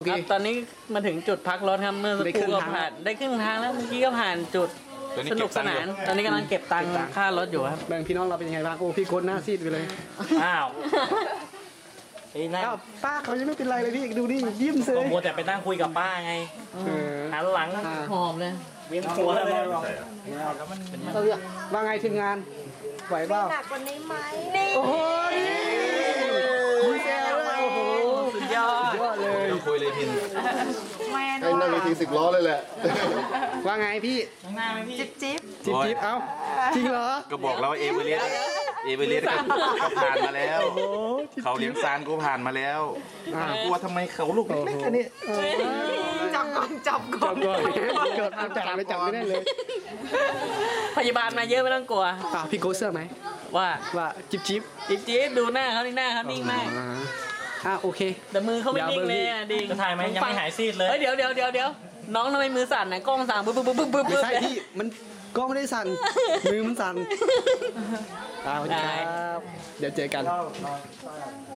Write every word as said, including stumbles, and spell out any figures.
เคตอนนี้มาถึงจุดพักรถครับเมื่อสักได้คครึ่รู่งก็ทางผ่านได้ครึ่งทางแล้วเมื่อกี้ก็ผ่านจุดสนุกสนานตอนนี้กำลังเก็บตังค์ค่ารถอยู่ครับแบ่งพี่น้องเราเป็นยังไงบ้างโอ้พี่โค้ดหน้าซีดไปเลยอ้าวไอ้นั่นอ้าวป้าเขายังไม่เป็นไรเลยพี่ดูนี่ยิ้มเซก็ยมัวแต่ไปนั่งคุยกับป้าไงเออหันหลังอ่าหอมเลยเวียนหัวเลยว่าไงทีมงานไหวเปล่าหนักกว่านี้ไหมนี่โอ้โหมีแซวด้วยโอ้โหสุดยอดยอดเลยคุยเลยพินแมนไอ้นั่งเวทีสิบล้อเลยแหละว่าไงพี่จิ๊บจิ๊บจิ๊บจิ๊บเอ้าจริงเหรอก็บอกแล้วว่าเอเวอเรสต์เอเวอเรสต์ก็ก็ผ่านมาแล้วโอ้จิ๊บเขาเลี้ยงซานก็ผ่านมาแล้วอ่ากลัวทำไมเขาลูกเล็กๆแค่นี้จับก่อนจับก่อนก่อนเกิดจับไม่จับไม่ได้เลยพยาบาลมาเยอะไม่ต้องกลัวอ่าพี่โก้เสื้อไหมว่าว่าจิ๊บจิ๊บอีกจี๊ดดูหน้าเขานี่หน้าเขานิ่งมากอ่าอ่าโอเคแต่มือเขาไม่นิ่งเลยอ่ะดิจะถ่ายไหมยังไม่หายซีดเลยเฮ้ยเดี๋ยวเดี๋ยวเดี๋ยวเดี๋ยวน้องทำไมมือสั่นนะกล้องสั่นปึ๊บปึ๊บปึ๊บปึ๊บปึ๊บไม่ใช่พี่มันก็ไม่ได้สั่นมือมันสั่นอ่าสวัสดีครับเดี๋ยวเจอกัน